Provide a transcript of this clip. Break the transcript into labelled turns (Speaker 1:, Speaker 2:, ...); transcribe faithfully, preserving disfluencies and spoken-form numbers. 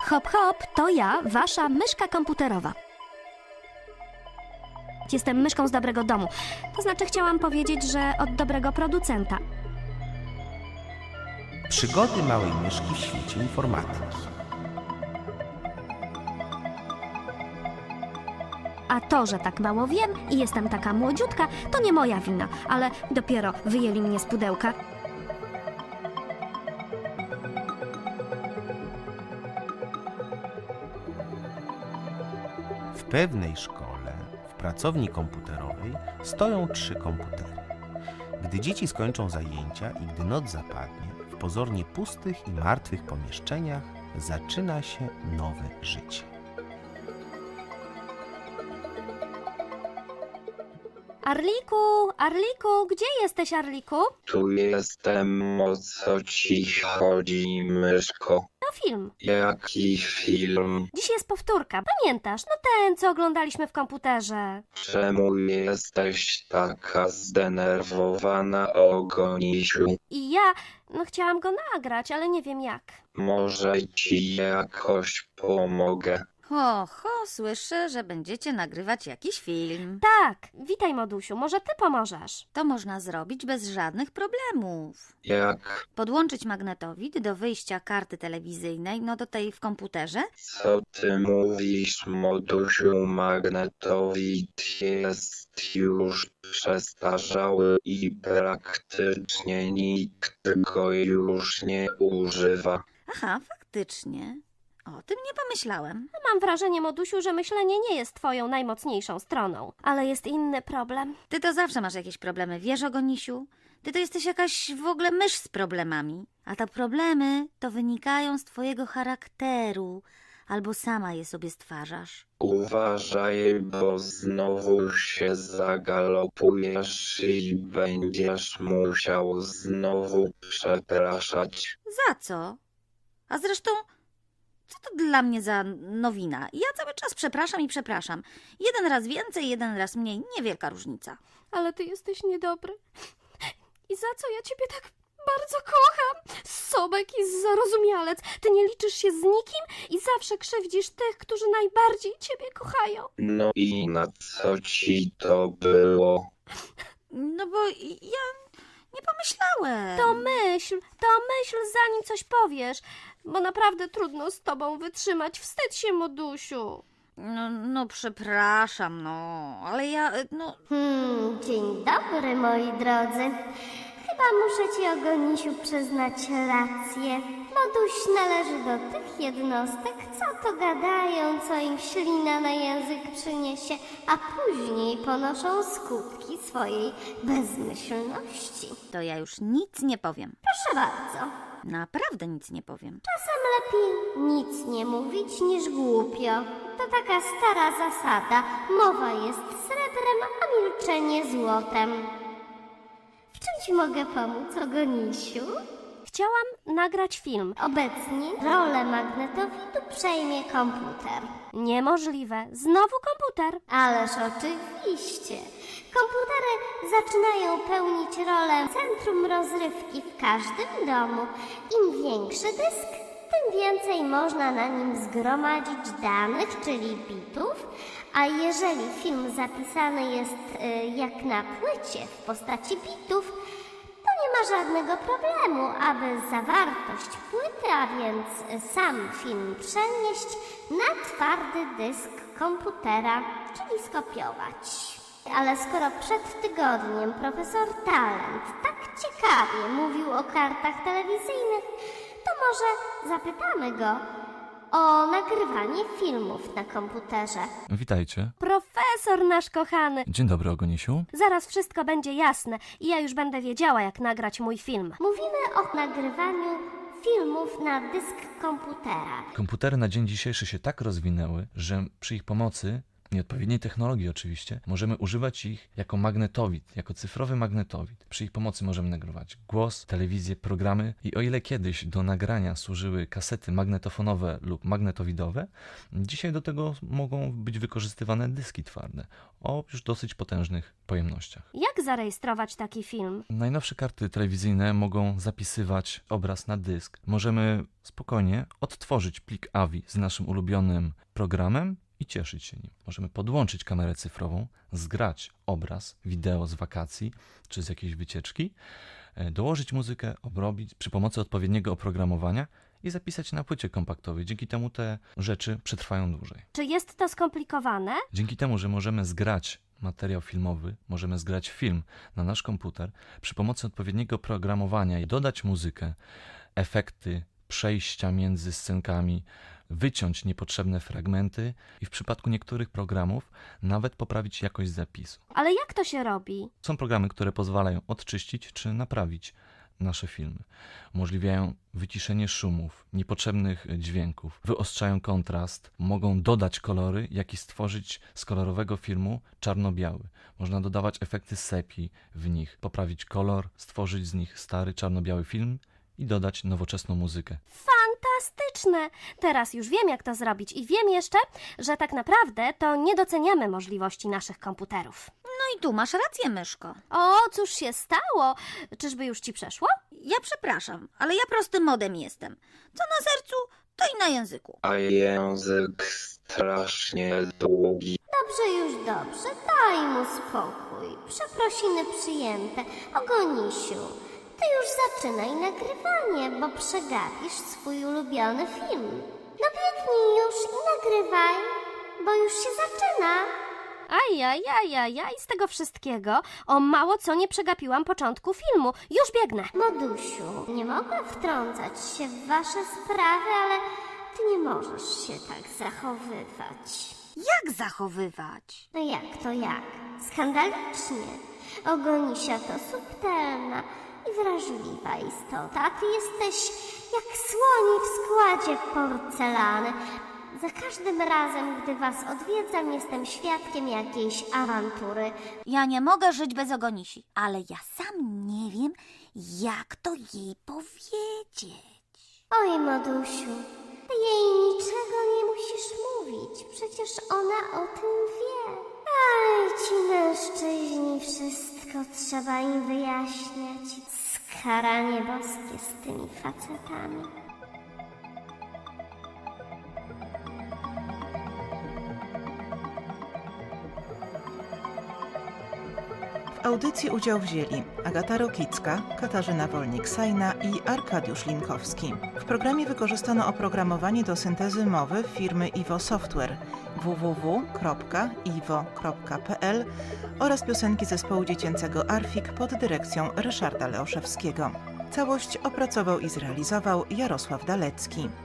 Speaker 1: Hop hop, to ja, wasza myszka komputerowa. Jestem myszką z dobrego domu. To znaczy chciałam powiedzieć, że od dobrego producenta.
Speaker 2: Przygody małej myszki w świecie informatyki.
Speaker 1: A to, że tak mało wiem i jestem taka młodziutka, to nie moja wina, ale dopiero wyjęli mnie z pudełka.
Speaker 2: W pewnej szkole, w pracowni komputerowej, stoją trzy komputery. Gdy dzieci skończą zajęcia i gdy noc zapadnie, w pozornie pustych i martwych pomieszczeniach zaczyna się nowe życie.
Speaker 1: Arliku, Arliku, gdzie jesteś, Arliku?
Speaker 3: Tu jestem, o co ci chodzi, myszko?
Speaker 1: To film.
Speaker 3: Jaki film?
Speaker 1: Dziś jest powtórka, pamiętasz? No ten, co oglądaliśmy w komputerze.
Speaker 3: Czemu jesteś taka zdenerwowana, Ogonisiu?
Speaker 1: I ja, no chciałam go nagrać, ale nie wiem jak.
Speaker 3: Może ci jakoś pomogę?
Speaker 4: Ho, ho, słyszę, że będziecie nagrywać jakiś film.
Speaker 1: Tak, witaj, Modusiu, może ty pomożesz?
Speaker 4: To można zrobić bez żadnych problemów.
Speaker 3: Jak?
Speaker 4: Podłączyć magnetowid do wyjścia karty telewizyjnej, no do tej w komputerze.
Speaker 3: Co ty mówisz, modusiu? Magnetowid jest już przestarzały i praktycznie nikt go już nie używa.
Speaker 4: Aha, faktycznie. O tym nie pomyślałem.
Speaker 1: Mam wrażenie, Modusiu, że myślenie nie jest twoją najmocniejszą stroną. Ale jest inny problem.
Speaker 4: Ty to zawsze masz jakieś problemy, wiesz, Ogonisiu? Ty to jesteś jakaś w ogóle mysz z problemami. A te problemy to wynikają z twojego charakteru. Albo sama je sobie stwarzasz.
Speaker 3: Uważaj, bo znowu się zagalopujesz i będziesz musiał znowu przepraszać.
Speaker 4: Za co? A zresztą, co to dla mnie za nowina? Ja cały czas przepraszam i przepraszam. Jeden raz więcej, jeden raz mniej. Niewielka różnica.
Speaker 1: Ale ty jesteś niedobry. I za co ja ciebie tak bardzo kocham? Sobek i zarozumialec. Ty nie liczysz się z nikim i zawsze krzywdzisz tych, którzy najbardziej ciebie kochają.
Speaker 3: No i na co ci to było?
Speaker 4: No bo ja nie pomyślałem.
Speaker 1: To myśl, to myśl, zanim coś powiesz. Bo naprawdę trudno z tobą wytrzymać. Wstydź się, Modusiu.
Speaker 4: No, no przepraszam, no, ale ja, no...
Speaker 5: Hmm, dzień dobry, moi drodzy. Chyba muszę ci, Ogonisiu, przyznać rację. Moduś należy do tych jednostek, co to gadają, co im ślina na język przyniesie, a później ponoszą skutki swojej bezmyślności.
Speaker 4: To ja już nic nie powiem.
Speaker 5: Proszę bardzo.
Speaker 4: Naprawdę nic nie powiem.
Speaker 5: Czasem lepiej nic nie mówić niż głupio. To taka stara zasada. Mowa jest srebrem, a milczenie złotem. W czym ci mogę pomóc, Ogonisiu?
Speaker 1: Chciałam nagrać film.
Speaker 5: Obecnie rolę magnetowidu przejmie komputer.
Speaker 1: Niemożliwe. Znowu komputer.
Speaker 5: Ależ oczywiście. Komputery zaczynają pełnić rolę centrum rozrywki w każdym domu. Im większy dysk, tym więcej można na nim zgromadzić danych, czyli bitów, a jeżeli film zapisany jest y, jak na płycie w postaci bitów, to nie ma żadnego problemu, aby zawartość płyty, a więc sam film przenieść na twardy dysk komputera, czyli skopiować. Ale skoro przed tygodniem profesor Talent tak ciekawie mówił o kartach telewizyjnych, to może zapytamy go o nagrywanie filmów na komputerze.
Speaker 6: Witajcie.
Speaker 1: Profesor nasz kochany.
Speaker 6: Dzień dobry, Ogonisiu.
Speaker 1: Zaraz wszystko będzie jasne i ja już będę wiedziała, jak nagrać mój film.
Speaker 5: Mówimy o nagrywaniu filmów na dysk komputera.
Speaker 6: Komputery na dzień dzisiejszy się tak rozwinęły, że przy ich pomocy i odpowiedniej technologii oczywiście, możemy używać ich jako magnetowid, jako cyfrowy magnetowid. Przy ich pomocy możemy nagrywać głos, telewizję, programy i o ile kiedyś do nagrania służyły kasety magnetofonowe lub magnetowidowe, dzisiaj do tego mogą być wykorzystywane dyski twarde o już dosyć potężnych pojemnościach.
Speaker 1: Jak zarejestrować taki film?
Speaker 6: Najnowsze karty telewizyjne mogą zapisywać obraz na dysk. Możemy spokojnie odtworzyć plik A V I z naszym ulubionym programem i cieszyć się nim. Możemy podłączyć kamerę cyfrową, zgrać obraz, wideo z wakacji czy z jakiejś wycieczki, dołożyć muzykę, obrobić przy pomocy odpowiedniego oprogramowania i zapisać na płycie kompaktowej. Dzięki temu te rzeczy przetrwają dłużej.
Speaker 1: Czy jest to skomplikowane?
Speaker 6: Dzięki temu, że możemy zgrać materiał filmowy, możemy zgrać film na nasz komputer przy pomocy odpowiedniego programowania i dodać muzykę, efekty, przejścia między scenkami, wyciąć niepotrzebne fragmenty i w przypadku niektórych programów nawet poprawić jakość zapisu.
Speaker 1: Ale jak to się robi?
Speaker 6: Są programy, które pozwalają odczyścić czy naprawić nasze filmy. Umożliwiają wyciszenie szumów, niepotrzebnych dźwięków, wyostrzają kontrast, mogą dodać kolory, jak i stworzyć z kolorowego filmu czarno-biały. Można dodawać efekty sepi w nich, poprawić kolor, stworzyć z nich stary czarno-biały film i dodać nowoczesną muzykę.
Speaker 1: Fantastyczne! Teraz już wiem, jak to zrobić i wiem jeszcze, że tak naprawdę to nie doceniamy możliwości naszych komputerów.
Speaker 4: No i tu masz rację, myszko.
Speaker 1: O, cóż się stało? Czyżby już ci przeszło?
Speaker 4: Ja przepraszam, ale ja prostym modem jestem. Co na sercu, to i na języku.
Speaker 3: A język strasznie długi.
Speaker 5: Dobrze, już dobrze, daj mu spokój. Przeprosiny przyjęte. Ogonisiu, ty już zaczynaj nagrywanie, bo przegapisz swój ulubiony film. No biegnij już i nagrywaj, bo już się zaczyna.
Speaker 1: Ajajajajaj, z tego wszystkiego o mało co nie przegapiłam początku filmu. Już biegnę.
Speaker 5: Modusiu, nie mogę wtrącać się w wasze sprawy, ale ty nie możesz się tak zachowywać.
Speaker 4: Jak zachowywać?
Speaker 5: No jak to jak? Skandalicznie. Ogonisia to subtelna i wrażliwa istota, a ty jesteś jak słoni w składzie porcelany. Za każdym razem, gdy was odwiedzam, jestem świadkiem jakiejś awantury.
Speaker 4: Ja nie mogę żyć bez Ogonisi, ale ja sam nie wiem, jak to jej powiedzieć.
Speaker 5: Oj, Modusiu, ty jej niczego nie musisz mówić, przecież ona o tym wie. Aj, ci mężczyźni, wszystko trzeba im wyjaśniać. Skaranie boskie z tymi facetami.
Speaker 7: W audycji udział wzięli Agata Rokicka, Katarzyna Wolnik-Sajna i Arkadiusz Linkowski. W programie wykorzystano oprogramowanie do syntezy mowy firmy Iwo Software w w w kropka iwo kropka p l oraz piosenki zespołu dziecięcego Arfik pod dyrekcją Ryszarda Leoszewskiego. Całość opracował i zrealizował Jarosław Dalecki.